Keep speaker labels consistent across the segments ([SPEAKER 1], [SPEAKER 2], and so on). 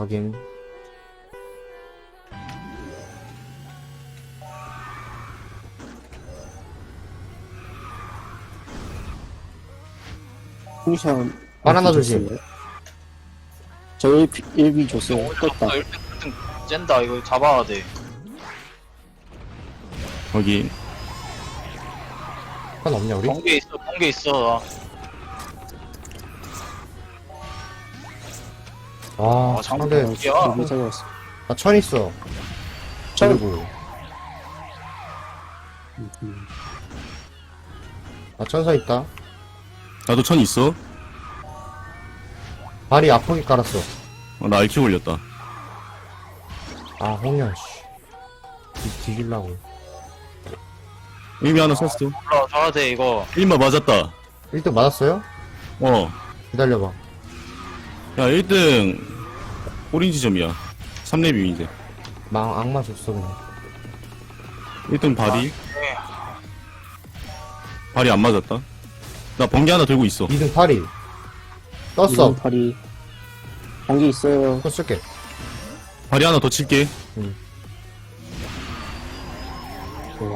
[SPEAKER 1] 확인.
[SPEAKER 2] 풍션
[SPEAKER 1] 바나나 조심.
[SPEAKER 2] 저 1비 줬어요. 떴다.
[SPEAKER 3] 1등 쨘다. 이거 잡아야 돼.
[SPEAKER 4] 확인.
[SPEAKER 1] 한 없냐 우리?
[SPEAKER 3] 번개 있어.
[SPEAKER 1] 아
[SPEAKER 3] 장대.
[SPEAKER 1] 상대
[SPEAKER 3] 야.
[SPEAKER 2] 여기 잡았어.
[SPEAKER 1] 나천 있어.
[SPEAKER 2] 천.
[SPEAKER 1] 그리고 나 천사 있다.
[SPEAKER 4] 나도 천 있어.
[SPEAKER 1] 발이 아프게 깔았어.
[SPEAKER 4] 나 알키 올렸다.
[SPEAKER 1] 아 홍련 씨. 뒤질라고.
[SPEAKER 4] 의미 하나 썼어.
[SPEAKER 3] 올라와줘야 돼, 이거.
[SPEAKER 4] 1마 맞았다.
[SPEAKER 1] 1등 맞았어요?
[SPEAKER 4] 어.
[SPEAKER 1] 기다려봐.
[SPEAKER 4] 야, 1등 오렌지점이야. 3렙이 이제.
[SPEAKER 1] 악마 줬어 그냥.
[SPEAKER 4] 1등 발이.
[SPEAKER 3] 네.
[SPEAKER 4] 발이 안 맞았다. 나 번개 하나 들고 있어.
[SPEAKER 1] 2등 팔이 떴어.
[SPEAKER 2] 팔이 번개 있어요.
[SPEAKER 1] 그거 쓸게.
[SPEAKER 4] 발이 하나 더 칠게.
[SPEAKER 2] 좋아.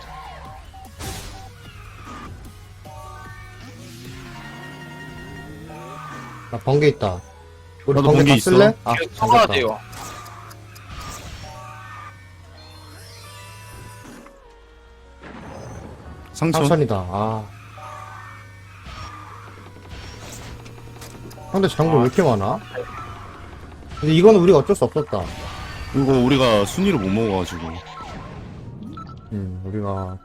[SPEAKER 1] 나 번개 있다. 우리
[SPEAKER 4] 나도
[SPEAKER 1] 번개
[SPEAKER 4] 번개
[SPEAKER 1] 다
[SPEAKER 4] 있어.
[SPEAKER 1] 쓸래? 아
[SPEAKER 3] 이거 써봐야
[SPEAKER 1] 잠겼다.
[SPEAKER 3] 돼요.
[SPEAKER 4] 상천.
[SPEAKER 1] 상천이다. 아. 근데 장군 왜 이렇게 많아? 근데 이거는 우리가 어쩔 수 없었다.
[SPEAKER 4] 이거 우리가 순위를 못 먹어가지고.
[SPEAKER 1] 우리가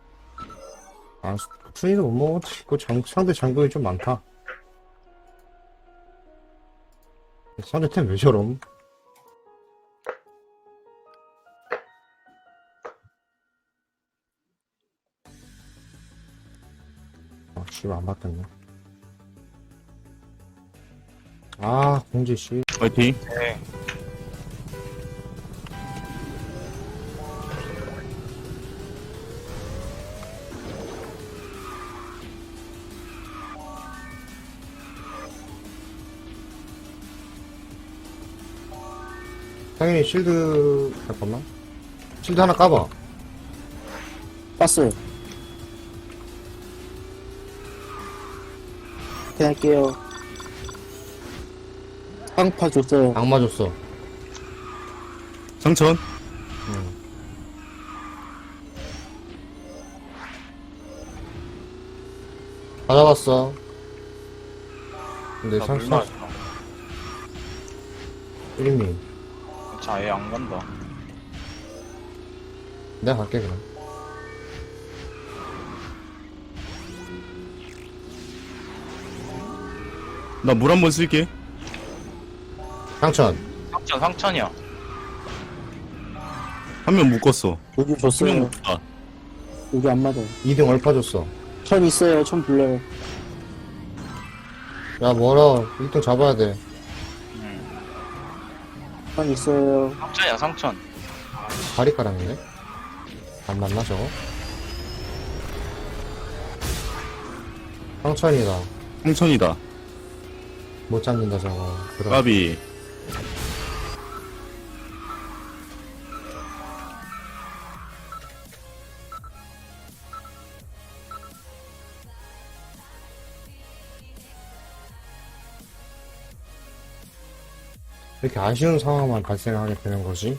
[SPEAKER 1] 순위도 못 먹었지. 그 상대 장군이 좀 많다. 상대 템 왜 저럼? 씨발 안 바뀌었네. 아 공지 씨.
[SPEAKER 4] 파이팅.
[SPEAKER 3] 네.
[SPEAKER 1] 당연히 실드 잠깐만. 실드 하나 까봐.
[SPEAKER 2] 땄어요. 할게요. 상파 줬어요.
[SPEAKER 1] 악마 줬어.
[SPEAKER 4] 상천.
[SPEAKER 1] 다 잡았어. 근데
[SPEAKER 3] 나
[SPEAKER 1] 상
[SPEAKER 3] 물만.
[SPEAKER 1] 1미.
[SPEAKER 3] 자, 얘 안 간다.
[SPEAKER 1] 내가 갈게 그럼.
[SPEAKER 4] 나 물 한 번 쓸게.
[SPEAKER 1] 상천.
[SPEAKER 3] 상천이야.
[SPEAKER 4] 한 명 묶었어.
[SPEAKER 2] 여기
[SPEAKER 4] 한 명
[SPEAKER 2] 줬어요.
[SPEAKER 4] 묶었다.
[SPEAKER 2] 여기 안 맞아요.
[SPEAKER 1] 2등 얼파 줬어.
[SPEAKER 2] 천 있어요. 천 불러요.
[SPEAKER 1] 야 뭐라 1등 잡아야 돼.
[SPEAKER 2] 천 있어요.
[SPEAKER 3] 상천이야, 상천.
[SPEAKER 1] 다리 까랑이네. 안 맞나 저거? 상천이다.
[SPEAKER 4] 상천이다.
[SPEAKER 1] 못 잡는다 저거. 그럼
[SPEAKER 4] 까비.
[SPEAKER 1] 이렇게 아쉬운 상황만 발생하게 되는 거지.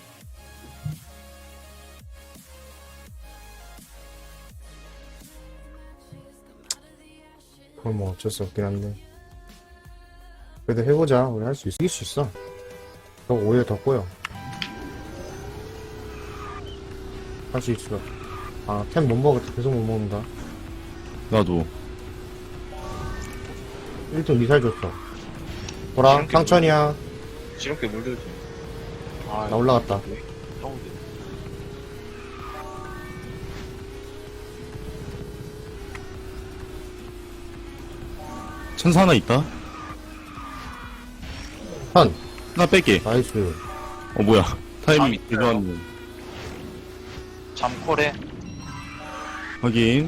[SPEAKER 1] 그건 뭐 어쩔 수 없긴 한데. 그래도 해보자. 우리 할 수 있어. 이길 수 있어. 더 오히려 더 꼬여. 할 수 있어. 아, 템 못 먹었다. 계속 못 먹는다.
[SPEAKER 4] 나도.
[SPEAKER 1] 1등 미사일 줬어. 보라, 상천이야.
[SPEAKER 3] 지름길 물들지. 아,
[SPEAKER 1] 나 올라갔다.
[SPEAKER 4] 천사 하나 있다.
[SPEAKER 1] 선.
[SPEAKER 4] 하나 뺄게.
[SPEAKER 1] 나이스.
[SPEAKER 4] 뭐야. 타이밍
[SPEAKER 3] 아, 있어요.
[SPEAKER 4] 대단하네.
[SPEAKER 3] 잠콜에.
[SPEAKER 4] 확인.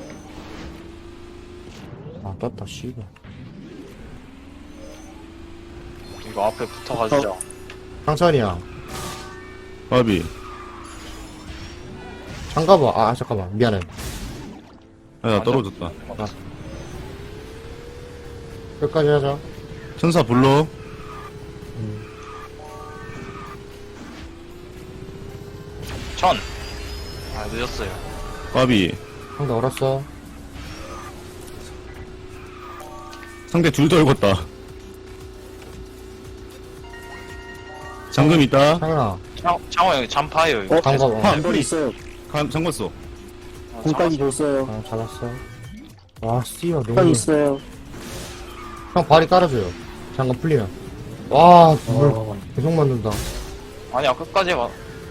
[SPEAKER 1] 아, 떴다, 씨발.
[SPEAKER 3] 이거 앞에 붙어가지자.
[SPEAKER 1] 상천이야.
[SPEAKER 4] 까비.
[SPEAKER 1] 잠가봐. 아, 잠깐만. 미안해.
[SPEAKER 4] 아, 나 떨어졌다.
[SPEAKER 1] 끝까지 하자.
[SPEAKER 4] 천사 불러.
[SPEAKER 3] 천. 아, 늦었어요.
[SPEAKER 4] 까비.
[SPEAKER 1] 상대 얼었어.
[SPEAKER 4] 상대 둘 떨궜다. 잠금 있다.
[SPEAKER 1] 상현아.
[SPEAKER 3] 장호 형이 잠파예요, 이거.
[SPEAKER 1] 잠가봐.
[SPEAKER 4] 파.
[SPEAKER 2] 한 있어요.
[SPEAKER 4] 잠궜어.
[SPEAKER 3] 아,
[SPEAKER 2] 공까지 줬어요.
[SPEAKER 1] 아, 잡았어. 와, 씨야,
[SPEAKER 2] 한
[SPEAKER 1] 너무.
[SPEAKER 2] 있어요.
[SPEAKER 1] 형, 발이 깔아줘요. 잠깐 풀리면. 와, 물
[SPEAKER 2] 어,
[SPEAKER 1] 계속 만든다.
[SPEAKER 3] 아니야, 끝까지 해봐.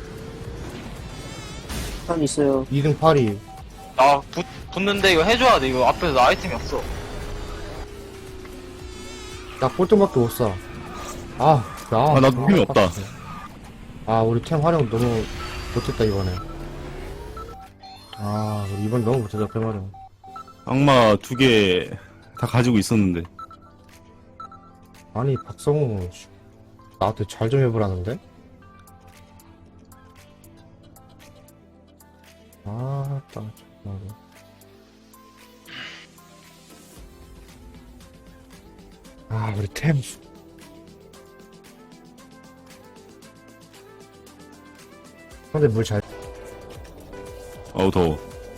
[SPEAKER 2] 한 있어요.
[SPEAKER 1] 2등 8이.
[SPEAKER 3] 나 붙는데 이거 해줘야 돼. 이거 앞에서 나 아이템이 없어.
[SPEAKER 1] 나 꼴등밖에 못 사. 아, 야.
[SPEAKER 4] 아, 나도 힘이 없다.
[SPEAKER 1] 아, 우리 템 활용 너무 못했다, 이번에. 아, 우리 이번 너무 못했다, 템 활용.
[SPEAKER 4] 악마 2개 다 가지고 있었는데.
[SPEAKER 1] 아니, 박성우, 씨, 나한테 잘 좀 해보라는데? 아, 딱, 정말. 아, 우리 템. 근데 물 잘,
[SPEAKER 4] 어우, 더워.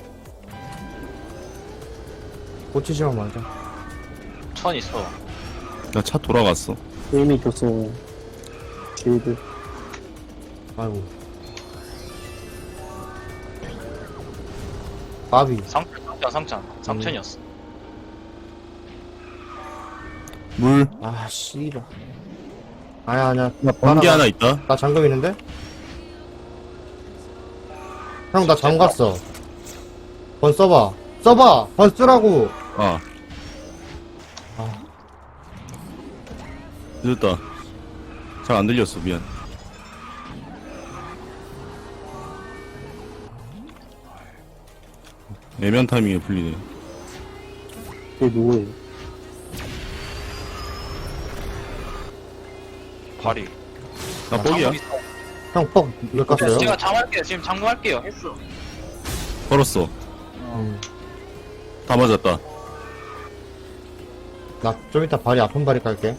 [SPEAKER 1] 꽂히지만 말자.
[SPEAKER 3] 천 있어.
[SPEAKER 4] 나 차 돌아갔어.
[SPEAKER 2] 이미 줬어요. 길드.
[SPEAKER 1] 아이고. 바비.
[SPEAKER 3] 상천이었어.
[SPEAKER 4] 물.
[SPEAKER 1] 아, 씨발. 아니야, 아니야.
[SPEAKER 4] 나 번개 하나 있다.
[SPEAKER 1] 나 잠금 있는데? 형, 나 잠갔어. 번 써봐. 써봐! 번 쓰라고!
[SPEAKER 4] 아.
[SPEAKER 1] 아,
[SPEAKER 4] 늦었다. 잘 안 들렸어, 미안. 애매한 타이밍에 풀리네.
[SPEAKER 2] 그게 누구예요?
[SPEAKER 3] 발이.
[SPEAKER 4] 나 뻑이야.
[SPEAKER 1] 형, 뻑, 몇 갔어요?
[SPEAKER 3] 제가 잠할게요. 지금 잠금할게요. 했어.
[SPEAKER 4] 걸었어. 다 맞았다.
[SPEAKER 1] 나 좀 이따 발이 아픈 발이 깔게.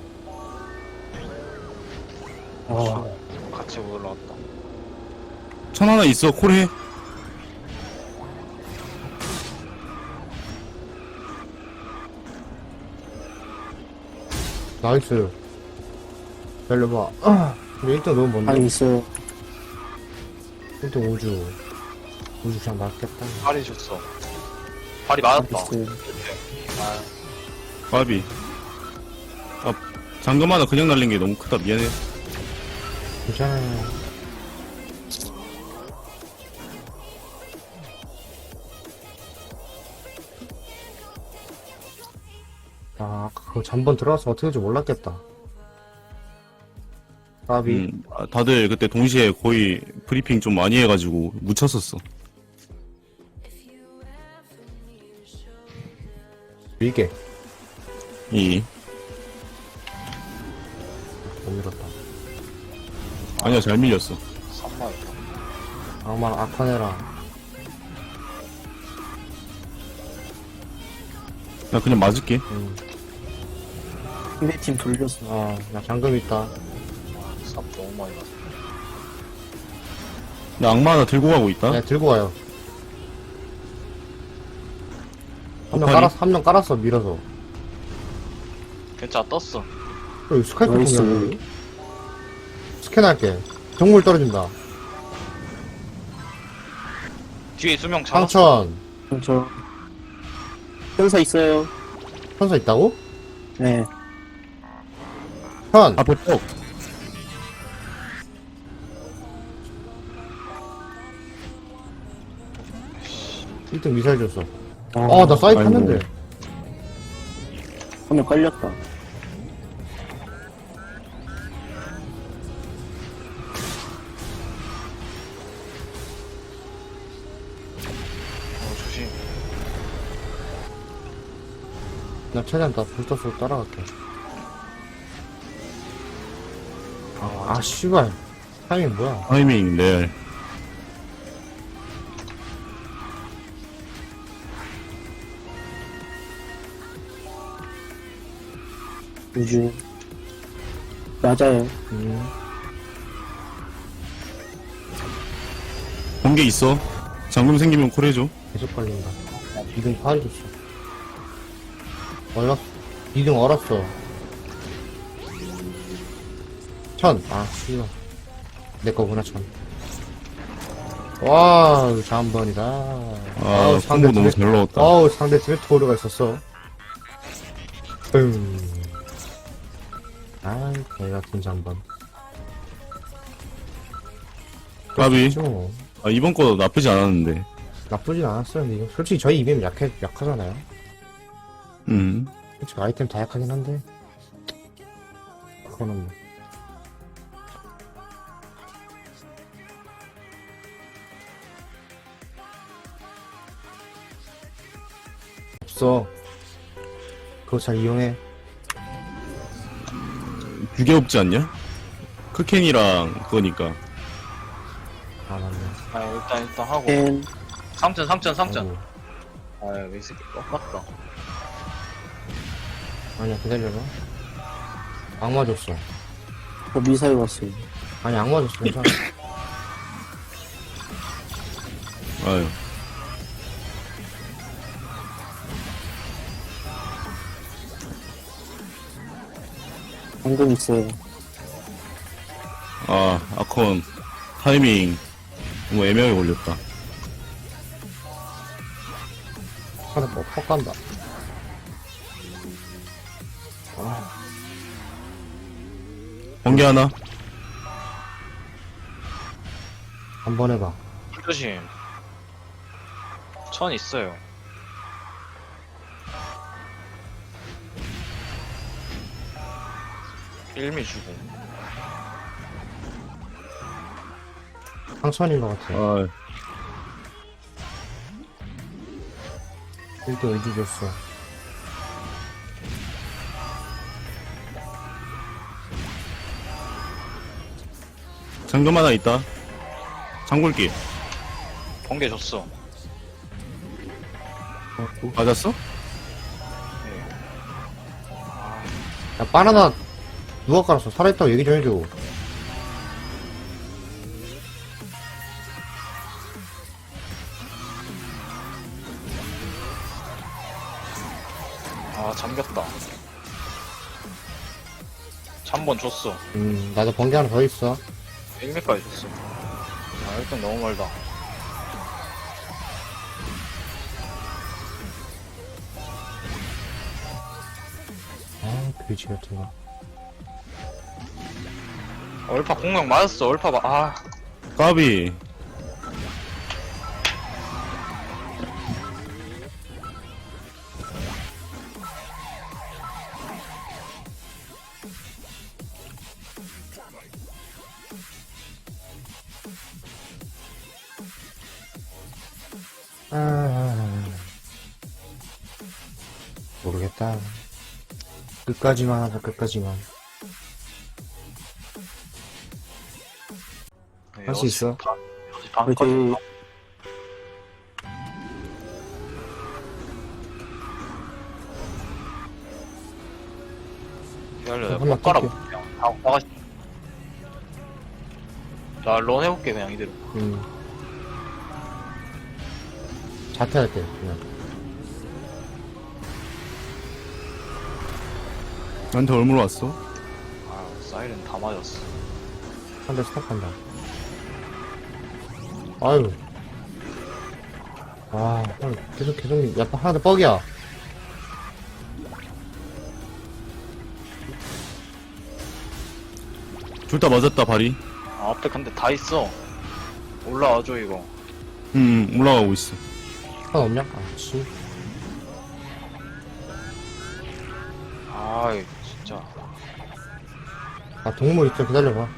[SPEAKER 2] 아,
[SPEAKER 3] 같이 올라왔다.
[SPEAKER 4] 천 하나 있어, 콜해.
[SPEAKER 1] 나이스. 열려봐. 아, 근데 1등 너무
[SPEAKER 2] 한
[SPEAKER 1] 먼데?
[SPEAKER 2] 있어요.
[SPEAKER 1] 1등 우주. 우주 그냥 맞겠다.
[SPEAKER 3] 발이 줬어. 발이
[SPEAKER 2] 한
[SPEAKER 3] 맞았다.
[SPEAKER 2] 있어요.
[SPEAKER 3] 아,
[SPEAKER 4] 바비. 아, 잠금 하나 그냥 날린 게 너무 크다. 미안해.
[SPEAKER 1] 괜찮아요. 아, 그거 잠번 들어가서 어떻게 될지 몰랐겠다. 까비.
[SPEAKER 4] 아, 다들 그때 동시에 거의 브리핑 좀 많이 해가지고 묻혔었어.
[SPEAKER 1] 밀게.
[SPEAKER 4] 이.
[SPEAKER 1] 못 밀었다.
[SPEAKER 4] 아니야, 잘 밀렸어.
[SPEAKER 3] 3만.
[SPEAKER 1] 악마 아카네라.
[SPEAKER 4] 나 그냥 맞을게.
[SPEAKER 2] 상대팀 돌렸어.
[SPEAKER 1] 아, 나 잠금 있다.
[SPEAKER 3] 3 너무 많이 갔어.
[SPEAKER 4] 나 악마 하나 들고 가고 있다.
[SPEAKER 1] 네, 들고 가요. 한 명
[SPEAKER 4] 오파리?
[SPEAKER 1] 깔았어, 한 명 깔았어, 밀어서.
[SPEAKER 3] 괜찮아, 떴어.
[SPEAKER 1] 여기 스카이프
[SPEAKER 2] 나이스.
[SPEAKER 1] 통이야, 여기. 스캔할게. 정물 떨어진다.
[SPEAKER 3] 뒤에 수명 잡았어.
[SPEAKER 1] 상천.
[SPEAKER 2] 저, 현사 있어요.
[SPEAKER 1] 천사 있다고?
[SPEAKER 2] 네.
[SPEAKER 1] 현.
[SPEAKER 4] 앞에 뻑.
[SPEAKER 1] 1등 미사일 줬어.
[SPEAKER 2] 아,
[SPEAKER 1] 나 사이프
[SPEAKER 4] 아이고.
[SPEAKER 1] 했는데.
[SPEAKER 2] 화면 깔렸다.
[SPEAKER 3] 조심.
[SPEAKER 1] 나 최대한 나 불터스 따라갈게. 아, 아, 씨발. 타이밍 뭐야?
[SPEAKER 4] 타이밍 레알.
[SPEAKER 2] 우주. 맞아요.
[SPEAKER 4] 번개 있어. 잠금 생기면 콜해줘.
[SPEAKER 1] 계속 걸린다. 2등 파해줬어. 얼었어. 2등 얼었어. 천. 아, 씨발. 내 거구나, 천. 와, 잠번이다.
[SPEAKER 4] 아, 콤보 너무 잘 넣었다.
[SPEAKER 1] 아우, 상대 팀에 토르가 있었어. 아이, 개 같은 잠번.
[SPEAKER 4] 까비.
[SPEAKER 1] 뭐.
[SPEAKER 4] 아, 이번 거 나쁘지 않았는데.
[SPEAKER 1] 나쁘진 않았어요, 근데 이거. 솔직히 저희 이벤 약하잖아요. 솔직히 아이템 다 약하긴 한데. 그거는 뭐. 없어. 그거 잘 이용해.
[SPEAKER 4] 두개 없지 않냐? 크켄이랑 그거니까.
[SPEAKER 1] 아, 맞네.
[SPEAKER 3] 아, 일단 하고.
[SPEAKER 2] 캔.
[SPEAKER 3] 3천.
[SPEAKER 1] 아이고.
[SPEAKER 3] 아유, 이 새끼 꺾었다.
[SPEAKER 1] 아니야, 기다려봐. 악마 줬어.
[SPEAKER 2] 미사일 왔어요.
[SPEAKER 1] 아니, 악마 줬어. 괜찮아.
[SPEAKER 4] 아유.
[SPEAKER 2] 방금 있어요.
[SPEAKER 4] 아, 아컨. 타이밍. 너무 애매하게 걸렸다.
[SPEAKER 1] 하나 퍽 간다.
[SPEAKER 4] 번개 하나?
[SPEAKER 1] 한번 해봐.
[SPEAKER 3] 조심. 천 있어요. 일미 주고.
[SPEAKER 1] 상천인 것 같아.
[SPEAKER 4] 아,
[SPEAKER 1] 1도 의지 줬어.
[SPEAKER 4] 잠금 하나 있다. 장굴기.
[SPEAKER 3] 번개 줬어.
[SPEAKER 4] 맞았어?
[SPEAKER 1] 야, 바나나 누가 깔았어? 살아있다고 얘기 좀 해줘.
[SPEAKER 3] 아, 잠겼다. 잠번 줬어.
[SPEAKER 1] 나도 번개 하나 더 있어.
[SPEAKER 3] 1미까지 줬어. 아, 일단 너무 멀다.
[SPEAKER 1] 아, 그지 같은 거.
[SPEAKER 3] 얼파 공격 맞았어. 얼파 아,
[SPEAKER 4] 까비.
[SPEAKER 1] 모르겠다. 끝까지만 하자, 끝까지만. 할 수 있어.
[SPEAKER 3] 반까지. 기다려, 내가
[SPEAKER 1] 한번
[SPEAKER 3] 못 깔아.
[SPEAKER 1] 뛸게.
[SPEAKER 3] 그냥 나가. 나런 해볼게 그냥 이대로.
[SPEAKER 1] 자퇴할 때, 그냥.
[SPEAKER 4] 나한테 얼마나 왔어?
[SPEAKER 3] 아, 사이렌 다 맞았어.
[SPEAKER 1] 한 대 스탑한다. 아유. 아, 계속, 야, 하나 더 뻑이야.
[SPEAKER 4] 둘 다 맞았다, 발이.
[SPEAKER 3] 아, 앞에 근데 다 있어. 올라와줘 이거.
[SPEAKER 4] 올라가고 있어.
[SPEAKER 1] 하나 없냐? 아, 씨.
[SPEAKER 3] 아이, 진짜.
[SPEAKER 1] 아, 동물 있죠? 기다려봐.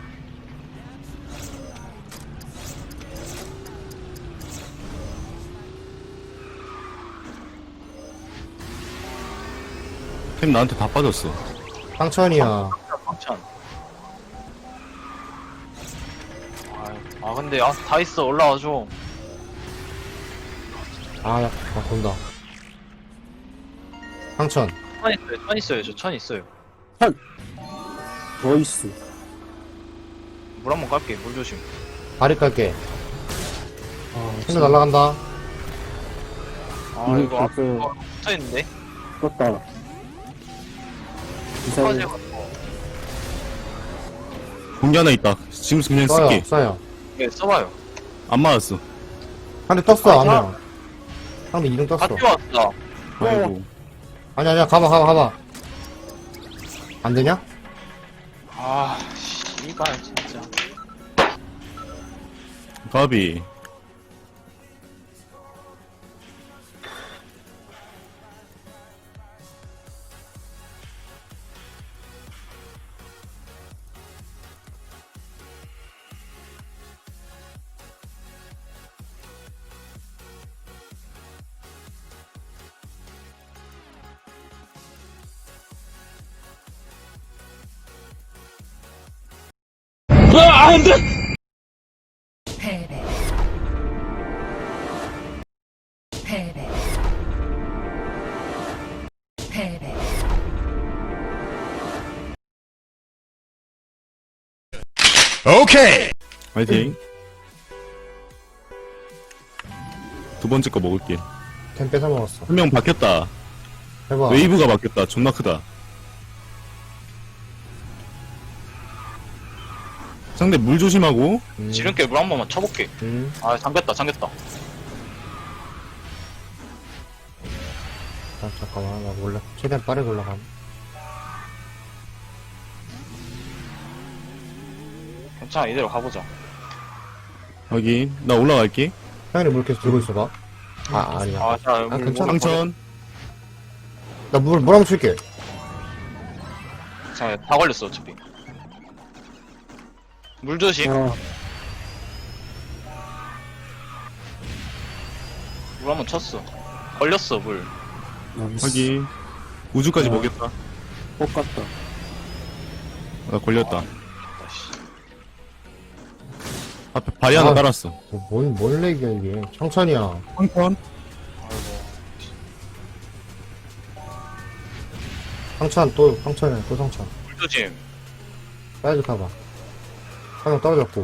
[SPEAKER 4] 템 나한테 다 빠졌어.
[SPEAKER 1] 상천이야.
[SPEAKER 3] 황천. 아, 근데, 다 있어. 올라와줘.
[SPEAKER 1] 아, 돈다. 상천.
[SPEAKER 3] 천 있어요. 저 천 있어요.
[SPEAKER 2] 나이스.
[SPEAKER 3] 물 한번 깔게. 물 조심.
[SPEAKER 1] 다리 깔게.
[SPEAKER 2] 아,
[SPEAKER 1] 핸드 날라간다.
[SPEAKER 3] 아, 이거 앞에
[SPEAKER 2] 벌써
[SPEAKER 3] 붙어있는데?
[SPEAKER 2] 떴다. 미사일,
[SPEAKER 3] 터져가지고.
[SPEAKER 4] 공기 하나 있다. 지금 그냥
[SPEAKER 1] 쏴요,
[SPEAKER 4] 쓸게.
[SPEAKER 1] 쏴요.
[SPEAKER 3] 네, 써봐요.
[SPEAKER 4] 안 맞았어.
[SPEAKER 1] 한대 떴어,
[SPEAKER 3] 아,
[SPEAKER 1] 한 명. 상대 이등 떴어.
[SPEAKER 3] 다 뛰어왔다.
[SPEAKER 4] 아이고.
[SPEAKER 1] 아니야, 가봐. 안 되냐?
[SPEAKER 3] 아, 씨발, 진짜.
[SPEAKER 4] 가비.
[SPEAKER 5] 패배. 패배. 패배.
[SPEAKER 4] 화이팅. 두 번째 거 먹을게.
[SPEAKER 1] 템 뺏어 먹었어.
[SPEAKER 4] 한 명 바뀌었다.
[SPEAKER 1] 해봐.
[SPEAKER 4] 웨이브가 바뀌었다. 존나 크다. 상대 물 조심하고.
[SPEAKER 3] 지름길 물 한 번만 쳐볼게. 아, 잠겼다.
[SPEAKER 1] 아, 잠깐만, 나 몰라. 최대한 빠르게 올라감.
[SPEAKER 3] 괜찮아, 이대로 가보자.
[SPEAKER 4] 확인. 나 올라갈게.
[SPEAKER 1] 형님 물 계속 들고 있어봐. 아니야.
[SPEAKER 3] 아, 자, 물,
[SPEAKER 1] 괜찮아.
[SPEAKER 4] 상천.
[SPEAKER 1] 나 물 한번 칠게.
[SPEAKER 3] 자, 다 걸렸어, 어차피. 물 조심.
[SPEAKER 2] 아,
[SPEAKER 3] 물 한번 쳤어. 걸렸어, 물.
[SPEAKER 2] 나이스.
[SPEAKER 4] 확인. 우주까지
[SPEAKER 2] 아.
[SPEAKER 4] 먹였다.
[SPEAKER 2] 똑같다.
[SPEAKER 4] 나 걸렸다.
[SPEAKER 3] 아씨.
[SPEAKER 4] 앞에 바위 하나
[SPEAKER 1] 아.
[SPEAKER 4] 깔았어.
[SPEAKER 1] 뭔 렉이야, 이게. 청천이야.
[SPEAKER 4] 상천.
[SPEAKER 3] 아이고.
[SPEAKER 1] 상천이야, 또 상천.
[SPEAKER 3] 물 조심.
[SPEAKER 1] 사이드 타봐. 한 명 떨어졌고.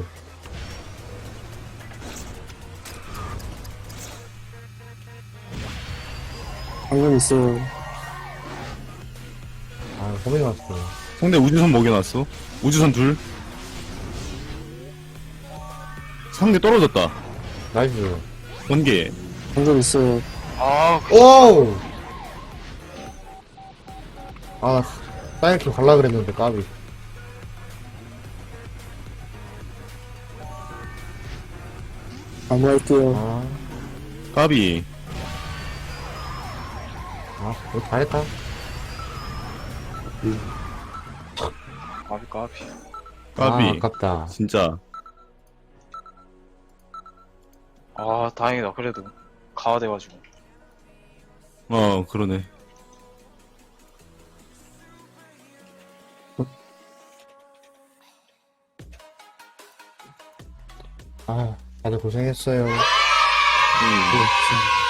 [SPEAKER 2] 방금 있어요.
[SPEAKER 1] 아, 고민이 왔어.
[SPEAKER 4] 상대 우주선 먹여놨어. 우주선 둘. 상대 떨어졌다.
[SPEAKER 1] 나이스.
[SPEAKER 4] 번개.
[SPEAKER 2] 방금 있어요.
[SPEAKER 3] 아,
[SPEAKER 1] 오우! 아, 사이클 갈라 그랬는데, 까비.
[SPEAKER 2] 마무할게요.
[SPEAKER 4] 까비.
[SPEAKER 1] 이거 잘했다.
[SPEAKER 3] 까비.
[SPEAKER 4] 까비.
[SPEAKER 1] 아깝다.
[SPEAKER 4] 진짜.
[SPEAKER 3] 아, 다행이다. 그래도. 가와돼가지고.
[SPEAKER 4] 그러네.
[SPEAKER 1] 다들 고생했어요.
[SPEAKER 4] 음.
[SPEAKER 2] 그렇지.